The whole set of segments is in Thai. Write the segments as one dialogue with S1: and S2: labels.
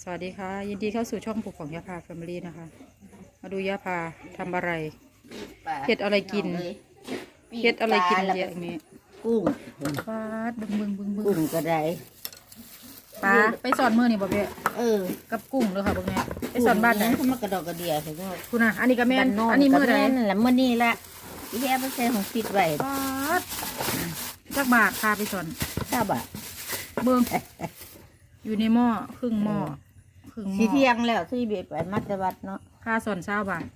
S1: วัสดีค่ะยินดีเข้าสู่ช่องปลูกของยาพาแฟมิลี่นะคะมาดูยาพาทำอะไรเห็ดอะไรกินเห็ดอะไรกินเยอะนี้
S2: กุ้ง
S1: ปลาบึง
S2: กุ้งก็ได้
S1: ปลาไปสอนมือนี่บ่เบ้กับกุ้งเลยค่ะพวกนี้ไปสอนบ้านไหน
S2: เขามากระดอกกระเดียใช่ไหม
S1: คุณน่ะอันนี้ก็แม่นอันนี้มือไหน
S2: นั่นแหละมือนี่ละที่แย่ไปใส่ของปิดไว้
S1: ปลาจักบาทพาไปสอน
S2: 9 บาท
S1: เบิ้งอยู่ในหม้อครึ่งหม้อ
S2: สีเที่ยงแล้วที่เบียดไปมัตวัดเนาะ
S1: ค่าสอน20 บาท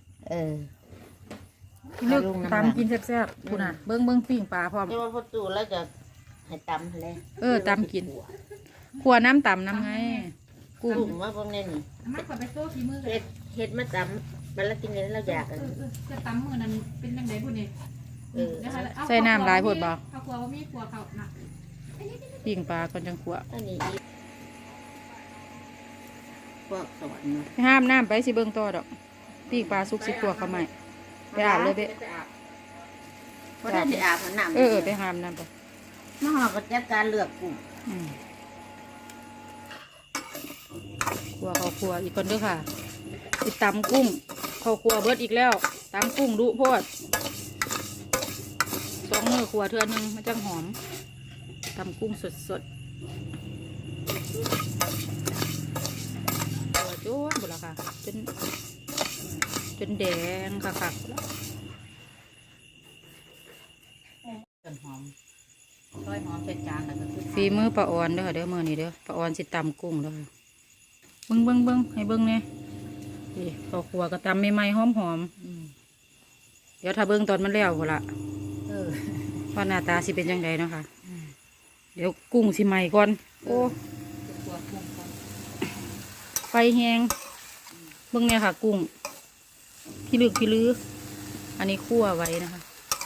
S2: เลือก
S1: ตำกินแซ่บๆคุณน่ะเบิ้งปิ้งปลาพร้อม
S2: จะมาประตูแล้วจะให้ตำเลย
S1: ตำกินขัวน้ำตำน้ำไง
S2: กุ้งว่าพวกนี้นี่
S1: มาขอไปโซ่ฝีมือ
S2: เห็ดมาตำมันแล้วกินเนี่ยเราอยากกัน
S1: จะตำมือนั้นเป็นยังไงบุญนี่
S2: ใส่
S1: น้ำลายพดบ่
S3: เขาขัวว่ามีขัวเขาหนัก
S1: ปิ้งปลาก่อนจังขัว
S2: อันนี้พวกสอน
S1: ห้ามน้ำไปสิเบิ้งต่อดอกปิ้งปลาซุกสิขัวเขาใหม่ไปอาบเลยเบ้
S2: เพราะถ้าจะอาบน้
S1: ำไปห้ามน้ำไป
S2: น้องเราก็จัดการเลือกกุ้ง
S1: ขัวเขาขัวอีกคนด้วยค่ะติดตำกุ้งเขาขัวเบิดอีกแล้วตำกุ้งดุโพด2 มือขัวเทื่อนึงมันจังหอมตำกุ้งสดขัวโจ้หมดแล้วค่ะจนแดงค่ะ
S2: ต้นหอมซอยหอมใส่จานแล้วก็คือ
S1: ฝีมือปลาออนเด้อมือนี่เด้อปลาออนสิตำกุ้งเด้อเบิ้งให้เบิ้งเนี่ยนี่ข้าวคั่วก็ตำใหม่ๆหอมเดี๋ยวถ้าเบิ้งตอนมันแล้วพุ่นละว่าหน้าตาสิเป็นยังไงเนาะค่ะเดี๋ยวกุ้งสิใหม่ก่อนโอ้ไฟแห้งเบิ้งเนี่ยค่ะกุ้งพี่ลืออันนี้คั่วไว้นะคะ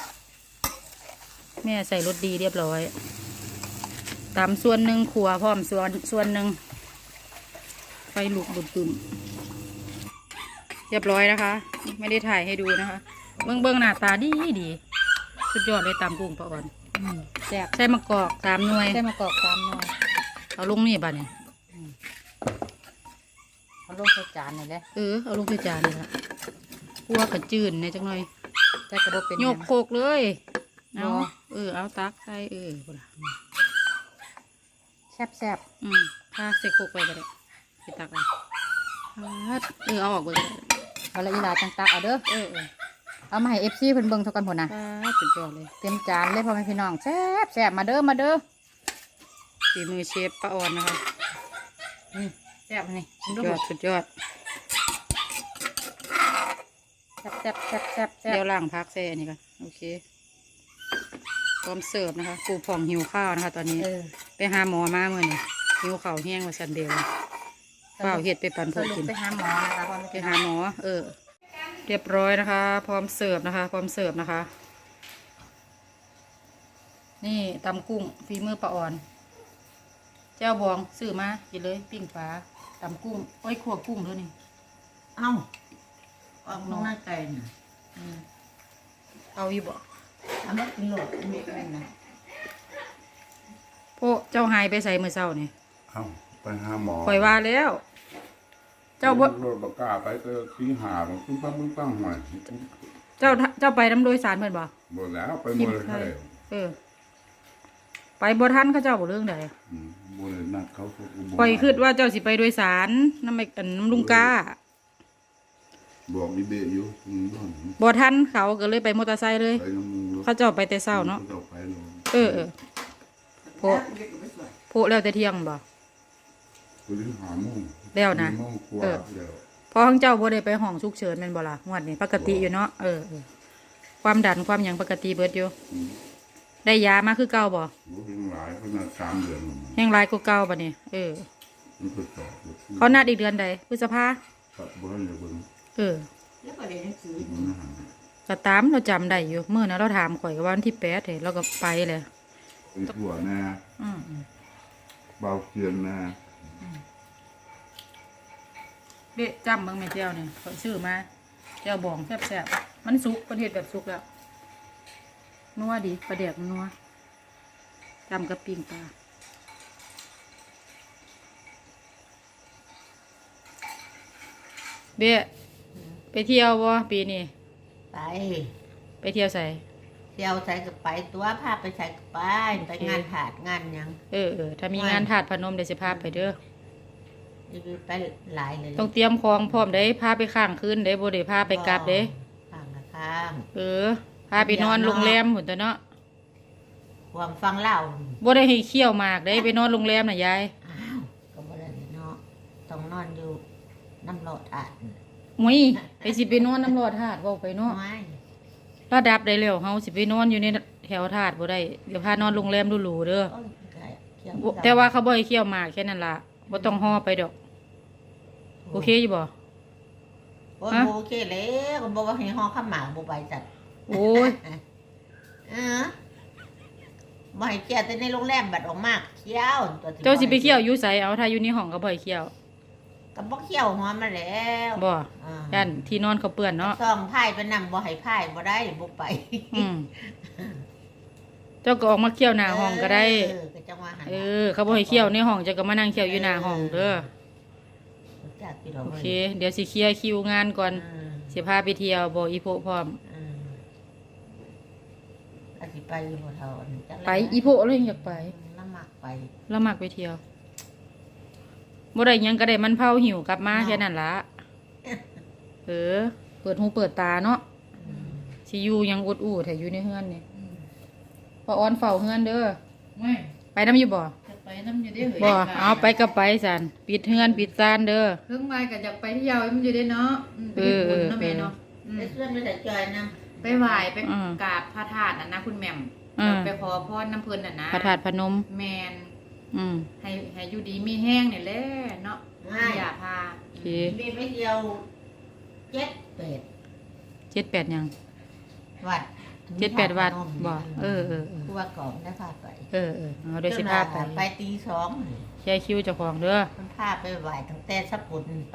S1: แม่ใส่รสดีเรียบร้อยตำส่วนหนึ่งขัวพร้อมส่วนหนึ่งไฟลุกบุ่มเรียบร้อยนะคะไม่ได้ถ่ายให้ดูนะคะเบิ้งหน้าตาดีสุดยอดเลยตำกุ้งปลาอ่อนแซ่บใส่มะกอก3 หน่วยเอาลงนี่บ้านี่
S2: เอาลงใส่จานนี่แหละ
S1: เอาลงใส่จานนี่ละคั่วกระจืดในจังหน่อย
S2: จะกระโดดเป็น
S1: โยกโคกเลยเอาตักใส่
S2: แซ่บ
S1: ถ้าใส่โคกไปก็ได้ไปตักเอาออกไป
S2: เอาละอีลาจังตักเอาเด้อเอามาให้FCเพิ่นเบิ่งเท่ากันพุ่นน่ะ
S1: สุดยอดเลย
S2: เต็มจานเลยพ่อแม่พี่น้องแซ่บมาเด้อ
S1: ฝีมือเชฟป้าออนนะคะ
S2: แซ่บนี่
S1: สุดยอด
S2: แซ่บ
S1: เดี๋ยวล้างพักใส่อันนี้กันโอเคพร้อมเสิร์ฟนะคะปูผ่องหิวข้าวนะคะตอนนี้ไปหาหมอมาเมื่อนี่หิวข้าวแห้งมาชันเดียวเปล่าเห็ดไปปั่นพวกกิน
S2: ไปหาหมอนะคะ
S1: ไปหาหมอเรียบร้อยนะคะพร้อมเสิร์ฟนะคะนี่ตำกุ้งฝีมือป้าอ่อนเจ้าบองซื้อมากินเลยปิ้งปลาตำกุ้งขั่วกุ้งด้วยนี่
S2: ออกน้องหน้าไก่น่ะ
S1: เอาอยู่บ่
S2: อันนี้กินโหลดมีอะไรนะ
S1: พวกเจ้าหายไปใส่เมื่อเช้านี่
S4: ไปหาหมอ
S1: ปล่อยว่าแล้วเจ้า
S4: รถบกล้าไปก็ขี้หาผมพึ่งปั้งหน่อย
S1: เจ้าไปน้ำโดยสารเพื่อนบ่
S4: บ่แล้วไปหมดเลย
S1: ไปบ่ทันเขาเจ้าบ่เรื่องใด
S4: บ่เลยนัดเขา
S1: ปล่อยคิดว่าเจ้าสิไปโดยสารน้ำลุงกา
S4: บอกมีเบะอยู่
S1: บ่ทันเขาก็เลยไปมอเตอร์ไซค์เลยเขาเจ้าไปแต่เช้าเนาะโพแล้วแต่เที่ยงบ่แล้วนะพอของเจ้าบ่ได้ไปห้องฉุกเฉินแม่นบ่ล่ะงวดนี้ปกติอยู่เนาะความดันความหยังปกติเบิดอยู่ได้ยามาคือเก่าบ่แห้งหลายกว่าเก่าบ่นี่เขานัดอีกเดือนใดพฤษภาก็ตามเราจำได้อยู่เมื่อนะเราถามข่อยวันที่8เห็นเราก็ไปเลย
S4: ถั่วนะเบาเกียนนะ
S1: เบ๊จำบางแม่เจ้าเนี่ยข่อยซื้อมาเจ้าบองแซ่บมันสุกประเทศแบบสุกแล้วนัวดีประเดี๋ยวนัวจำกับปิ้งปลาเบี้ยไปเที่ยวบ่ปีนี้
S5: ไป
S1: ไปเที่ยวใส่
S5: เที่ยวใส่กับไปตัวพาไปใส่กับไปงานถาดงานหยัง
S1: ถ้ามีงานถาดพนมเดี๋ยวสิพาไปเด้อ
S5: นี่คือไปหลายเลย
S1: ต้องเตรียมของพร้อมได้พาไปข้างคืนได้บ่ได้พาไปกลับเด้
S5: ข้างละข้าง
S1: พาไปนอนโรงแรมหุ่นตัวเนาะ
S5: ความฟังเล่า
S1: บ่ได้ให้เคี่ยวหมากได้ไปนอนโรงแรมน่ะยาย
S5: อ้าวก็บ่ได้เนาะต้องนอนอยู่น้ำโลดอาด
S1: มุ้ยไปสิไปนอนน้ำรอดถาดเว้าไปเนาะ
S5: ไม่
S1: ระดับได้แล้วเฮาสิไปนอนอยู่ในแถวถาดบ่ได้เดี๋ยวพานอนโรงแรมหรูๆเด้อ
S5: โอ้ยเกี่ยว
S1: บ่แต่ว่าเขาบ่ให้เคี่ยวหมากแค่นั้นล่ะบ่ต้องห่อไปดอกโอเคอยู่บ่
S5: โอ้ยโอเคแล้วก็บอกว่าให้ห่อข้าวหมากบ่ไปจัด
S1: โอ้ย
S5: บ่ให้เคี่ยวแต่ในโรงแรมบัดออกมากเคี่ยวตัวที่
S1: เจ้าสิไปเคี่ยวอยู่ไสเอาถ้าอยู่ในห้องก็บ่ให้เคี่ยว
S5: ก็บ่เคี่ยวหอมมาแล้ว
S1: บ่
S5: อ่า
S1: ย่านที่นอนเขาเปื้อนเนาะ
S5: ซ่องไผ่ไปนำบ่ให้ไผ่บ่ได้บ่ไป
S1: อืมเจ้าก็ออกมาเคี่ยวหน้าห้องก็ได้
S5: ก็จังว่าหั่น
S1: เขาบ่ให้เคี่ยวในห้องเจ้าก็มานั่งเคี่ยวอยู่หน้าห้องเด้อ
S5: จักพี่ดอก
S1: โอเค เดี๋ยวสิเคลียร์คิวงานก่อนสิพาไปเที่ยวบ่อีโพพร้อม
S5: อาสิไปอยู่บ่เท่าอันจัก
S1: ไปอีโพเลยอยากไป
S5: ละมักไป
S1: แล้วมักไปเที่ยวบ่ได้หยังก็ได้มันเผาหิวกลับมาแค่นั้นล่ะเปิดหูเปิดตาเนาะสิอยู่ยังอุดอู้แต่อยู่ในเฮือนนี่ป้าออนเฝ้าเฮือนเด้อ
S2: ไม่
S1: ไปน้ำอยู่บ่
S2: จะไปน้ำอยู่ได้เหร
S1: บ่เอาไปก็ไปสันปิดเฮือนปิดซานเด้อ
S2: เพิ่งมาก็อยากไปเที่ยวมันอยู่ได้เนาะไปเฮ็ดบุญเนาะแม่เนาะ
S5: ได้เพื่อนไปแต่จอยนำ
S2: ไปไหว้ไปกราบพระธาตุนะคุณแหม่มไปขอพรน้ำเพิ่นน่ะนะ
S1: พระธาตุพนม
S2: แมน
S1: อืม
S2: ให้อยู่ดีมีแห้งนี่แหละเนาะอย่าพา
S1: โอเค
S5: มีไปเที่ยว7
S1: 7-8หยัง
S5: วัด
S1: 7-8วัดบ่
S5: ผู้ว่ากองได้พาไป
S1: เอาเดี๋ยวสิพาไป
S5: ไปตีสอง
S1: แค่คิวเจ้าของเด้อ
S5: มันพาไปไหว้ตั้งแต่สักปุ่นไป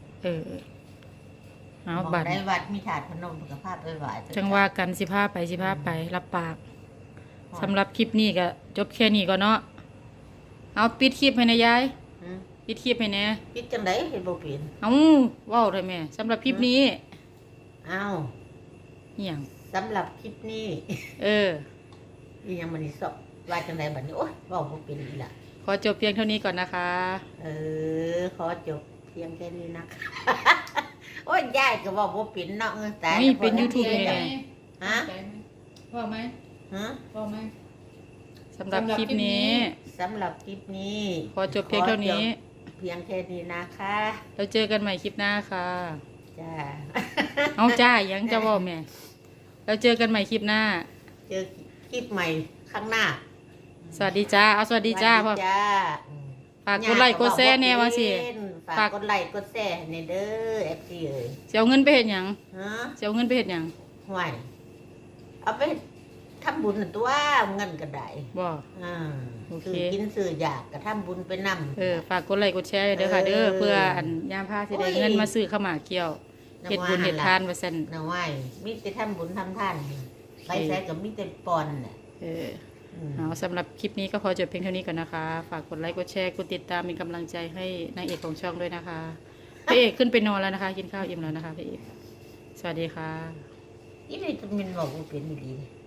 S1: เอา
S5: บอก
S1: บัตร
S5: ได้วัดมีถาดพนมกับพาไปไหว้
S1: จังว่ากันสิพาไปรับปากสำหรับคลิปนี้ก็จบแค่นี้ก่อนเนาะเอาปิดคลิปให้นะยายปิดคลิปให้แน่
S5: คิดจังไดเห็นบ่เป็น
S1: เอาเว้าได้แม่สำหรับคลิปนี้
S5: อ้าว
S1: เหี่ยง
S5: สำหรับคลิปนี้ อีหยังมันนี่สอบว่าจังไดบัดนี้โอ๊ยเว้าบ่เป็นอีหล่ะ
S1: ขอจบเพียงเท่านี้ก่อนนะคะ
S5: ขอจบเพียงแค่นี้นะคะ โอ้ยยายก็เว้าบ่เป็นเนาะแต่
S1: นี่เป็น YouTube นี่แหละ
S5: ฮะ
S2: พ่อไหม
S5: ฮะ
S2: พ่อไหม
S1: สำหรับคลิปนี้
S5: สำหรับคลิปนี้
S1: ขอจบเพียงเท่านี้
S5: ขอจบเพียงแค่นี้นะคะ
S1: แล้วเจอกันใหม่คลิปหน้าค่ะ
S5: จ้า
S1: เอาจ้ายังจะบอกแม่แล้วเจอกันใหม่คลิปหน้า
S5: เจอคลิปใหม่ข้างหน้า
S1: สวัสดีจ้าเอาสวัสดีจ้าพ่อ
S5: สวัสดีจ้า
S1: ฝากกดไลค์กดแชร์แน่ว่าสิ
S5: ฝากกดไลค์กดแชร์ในเด้อ FC เอ้ย
S1: เสียเงินไปเห็นหยัง
S5: ฮะ
S1: เสียเงินไปเห็นหยัง
S5: ห่วยเอาไปทำบุญน่ะตัวเงินก็ได้
S1: บ่
S5: อ่า
S1: โอเค
S5: ซื้อกินซื้ออยากก็ทำบุญไปนำ
S1: ฝากกดไลค์กดแชร์เด้อค่ะเด้อเพื่ออันยามพาสิได้เงินมาซื้อข้าวหมากเกี่ยวเฮ็ดบุญเฮ็ดทานว่าซั่น
S5: นะว่ามีแต่ทำบุญทำทานไปใส่ก็มีแต่ปอนน่ะ
S1: เอาสำหรับคลิปนี้ก็ขอจบเพียงเท่านี้ก่อนนะคะ ฝากกดไลค์กดแชร์กดติดตามเป็นกำลังใจให้นางเอกของช่องด้วยนะคะพระเอกขึ้นไปนอนแล้วนะคะ กินข้าวอิ่มแล้วนะคะพระเอกสวัสดีค่ะ
S5: นี่เลยจะมินบอกว่าเป็นดี